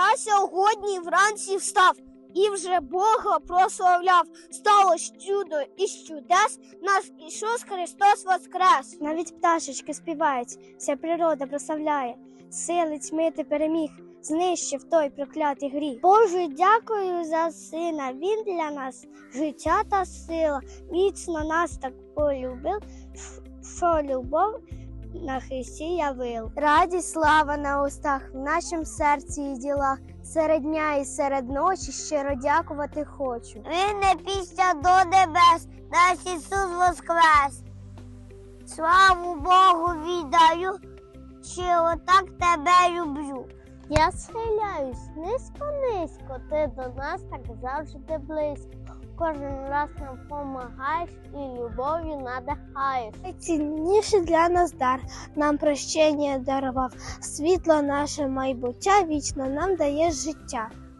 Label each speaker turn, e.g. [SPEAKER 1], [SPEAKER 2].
[SPEAKER 1] Я сьогодні вранці встав і вже Бога прославляв. Сталося чудо із чудес, наш Ісус Христос воскрес.
[SPEAKER 2] Навіть пташечки співають, вся природа прославляє. Сили тьми ти переміг, знищив той проклятий гріх. Боже, дякую за сина, він для нас життя та сила. Міцно нас так полюбив, що любов на Христі явив. Радість, слава на устах, в нашім серці і ділах. Серед дня і серед ночі щиро дякувати хочу.
[SPEAKER 1] Він не пісня до небес, наш Ісус воскрес. Славу Богу віддаю, що отак тебе люблю.
[SPEAKER 2] Я схиляюсь низько-низько, ти до нас так завжди близько. Кожен раз нам помагаєш і любов'ю надихаєш. Найцінніший для нас дар, нам прощення дарував. Світло наше майбуття вічно нам дає життя.